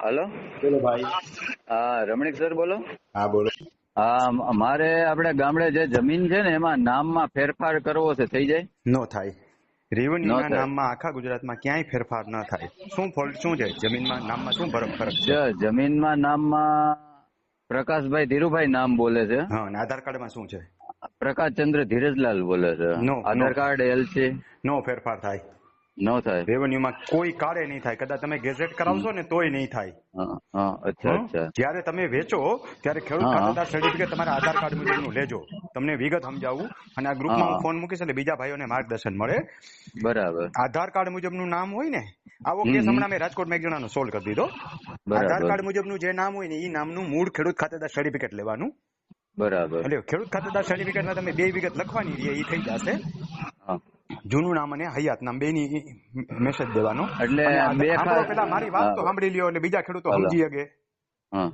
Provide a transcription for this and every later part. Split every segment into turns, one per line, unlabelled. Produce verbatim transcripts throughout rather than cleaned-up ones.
Hello.
બોલો ભાઈ.
હા, રમણીક સર બોલો.
હા બોલો.
હા, મારે આપણે ગામડે જે જમીન છે ને એમાં નામમાં ફેરફાર કરવો છે, થઈ જાય?
નો થાય. રેવન્યુના
ન થાય.
નામમાં આખા ગુજરાતમાં ક્યાંય ફેરફાર ન થાય. શું ફોલ્ટ શું છે જમીનમાં નામમાં શું ફરક ફરક છે?
જ- જમીનમાં નામમાં પ્રકાશભાઈ ધીરુભાઈ નામ બોલે છે.
હા, અને આધાર કાર્ડમાં શું છે?
પ્રકાશચંદ્ર ધીરજલાલ બોલે છે.
નો નો
આધાર કાર્ડ એલસી
નો ફેરફાર થાય.
ન થાય.
રેવન્યુમાં કોઈ કાળે નહીં થાય. કદાચ તમે ગેઝેટ કરાવશો ને તોય નહીં થાય.
હા, હા, અચ્છા
હં?
અચ્છા.
જ્યારે તમે વેચો ત્યારે ખેડૂત
હા,
ખાતેદાર સર્ટિફિકેટ તમારા આધાર કાર્ડ મુજબનું લેજો. તમને વિગત સમજાવું અને આ ગ્રુપમાં હું
હા,
ફોન મૂકીશ એટલે બીજા ભાઈઓને માર્ગદર્શન મળે.
બરાબર.
આધાર કાર્ડ મુજબનું નામ હોય ને, આવો
હમ,
કેસ
હમ.
હમણાં મેં રાજકોટમાં એક જણાનો સોલ્વ કરી દીધો. આધાર
બરાબર
કાર્ડ મુજબનું જે નામ હોય ને એ નામનું મૂળ ખેડૂત ખાતેદાર સર્ટિફિકેટ લેવાનું.
બરાબર.
એટલે ખેડૂત ખાતેદાર સર્ટિફિકેટમાં તમે બે વિગત લખવાની રહી એ થઈ જશે.
હા.
જૂનું નામ અને હયાત નામ બેની મેસેજ દેવાનો.
એટલે
અને
બે
આધાર- સાંભળો
ખાસ
પેલા મારી વાત તો
હા,
સાંભળી લ્યો એટલે બીજા ખેડૂતો
હલો.
સમજી શકે.
હા,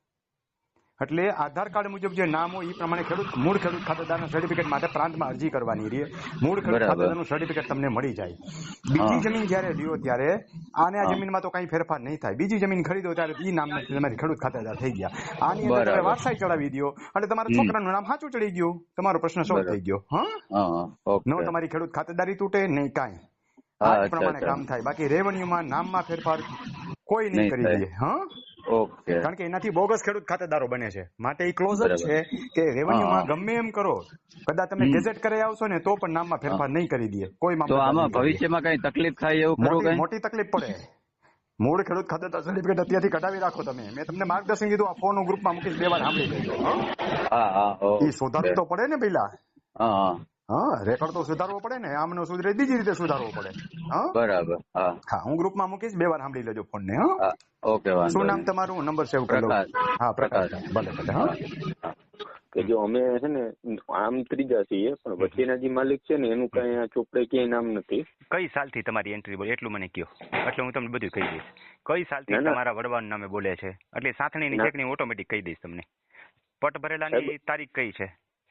એટલે આધાર કાર્ડ મુજબ જે નામ હોય એ પ્રમાણે ખેડૂત મૂળ ખેડૂત ખાતેદારના સર્ટિફિકેટ માટે પ્રાંતમાં અરજી કરવાની રહે. મૂળ ખેડૂત
બરાબર.
ખાતેદારનું સર્ટિફિકેટ તમને મળી જાય.
હા,
બીજી જમીન જ્યારે લ્યો ત્યારે આને આ
હા.
જમીનમાં તો કઈ ફેરફાર નહીં થાય. બીજી જમીન ખરીદો ત્યારે એ નામ તમારી ખેડૂત ખાતેદાર થઈ ગયા. આની અંદર તમે
બરાબર.
વારસાઈ ચડાવી દો એટલે તમારા
હમ.
છોકરાનું નામ સાચું ચડી ગયું. તમારો પ્રશ્ન સોલ્વ
બરાબર.
થઈ ગયો. હા,
હા, હા,
નો
ઓકે.
તમારી ખેડૂત ખાતેદારી તૂટે નહીં કાંઈ.
હા,
આ જ
અચ્છા
પ્રમાણે
અચ્છા.
કામ થાય. બાકી રેવન્યુમાં નામમાં ફેરફાર કોઈ નહીં
નહીં
કરી
થાય.
દે. હા,
ઓકે.
કારણ કે એનાથી બોગસ ખેડૂત ખાતેદારો બને છે. માટે એ ક્લોઝ જ
બરાબર.
છે કે
હા,
રેવન્યુમાં
હા.
ગમે એમ કરો, કદાચ તમે
હમ.
ગેઝેટ કરી આવશો ને તો પણ નામમાં
હા.
ફેરફાર નહીં કરી દે. કોઈ
તો
મામલતદાર
આમાં
નહીં કરી દે.
ભવિષ્યમાં કઈ તકલીફ થાય એવું ખરું
મોટી
કઈ?
મોટી તકલીફ પડે. મૂળ ખેડૂત ખાતેદાર સર્ટિફિકેટ અત્યારથી કઢાવી રાખો તમે. મેં તમને માર્ગદર્શન કીધું, આ ફોન ગ્રુપમાં મૂકીશ, બે વાર સાંભળી લેજો. હા,
હા, હા,
એ
ઓકે.
સુધારવું તો પડે ને પેલા.
હા, હા,
હા, રેકોર્ડ તો સુધારવો પડે ને. આમનો સુધરે બીજી રીતે સુધારવો પડે. હા,
બરાબર. હા,
હા, હું ગ્રુપમાં મૂકીશ, બે વાર સાંભળી લેજો ફોન ને. હા,
હા, ઓકે, વાંધો
શું નામ
નહીં.
તમારું? નંબર સેવ કરી લઉં.
પ્રકાશ.
હા, પ્રકાશ.
પ્રકાશ.
ભલે ભલે. હા,
હા.
કે જો અમે છે ને આમ ત્રીજા છીએ પણ વચ્ચેના જે માલિક છે ને એનું કઈ આ ચોપડે ક્યાંય નામ નથી.
કઈ સાલથી તમારી એન્ટ્રી બોલે એટલું મને કહો, એટલે હું તમને બધું કહી દઈશ. કઈ સાલથી
ના, ના.
તમારા વડવાનું નામે બોલે છે એટલે સાથણીની
ના.
ચેકની ઓટોમેટિક કહી દઈશ તમને. પટ ભરેલાની
સાહેબ.
તારીખ કઈ છે?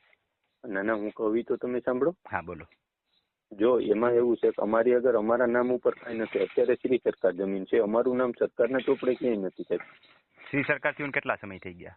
ના ના, હું કહું ઈ તો તમે સાંભળો.
હા બોલો.
જો એમાં એવું છે કે અમારી અગર અમારા નામ ઉપર કઈ નથી. અત્યારે શ્રી સરકાર જમીન છે, અમારું નામ સરકારના ચોપડે ક્યાંય નથી સાહેબ.
શ્રી સરકાર થયું કેટલા સમય થઈ ગયા?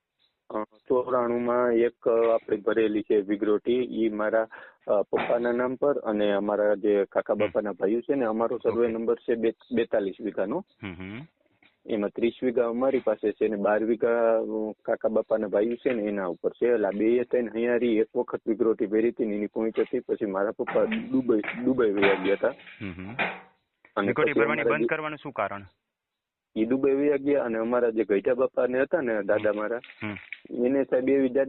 ચોરાણું માં એક આપણે ભરેલી છે વિગ્રોટી, ઈ મારા અ, પપ્પાના નામ પર, અને અમારા જે કાકા બાપાના ભાઈઓ છે ને, અમારો સર્વે
Okay.
નંબર છે બે- બેતાલીસ વીઘાનો.
હમ હમ.
એમાં ત્રીસ વીઘા અમારી પાસે છે ને બાર વીઘા અ, કાકા બાપાના ભાઈઓ છે ને એના ઉપર છે. એટલે બે ત્રણ હૈયારી એક વખત વિગ્રોટી ભરી હતી ને એની પોઈન્ટ હતી. પછી મારા પપ્પા દુબઈ દુબઈ વયા ગયા હતા.
હમ હમ.
અને
વિકોટી
પછી
ભરવાની
અમારા
બંધ
જે-
કરવાનું શું કારણ?
ઈ દુબઈ વયા ગયા અને અમારા જે ગઈઢા બાપા ને હતા ને દાદા મારા,
હમ.
એને સાહેબ એવી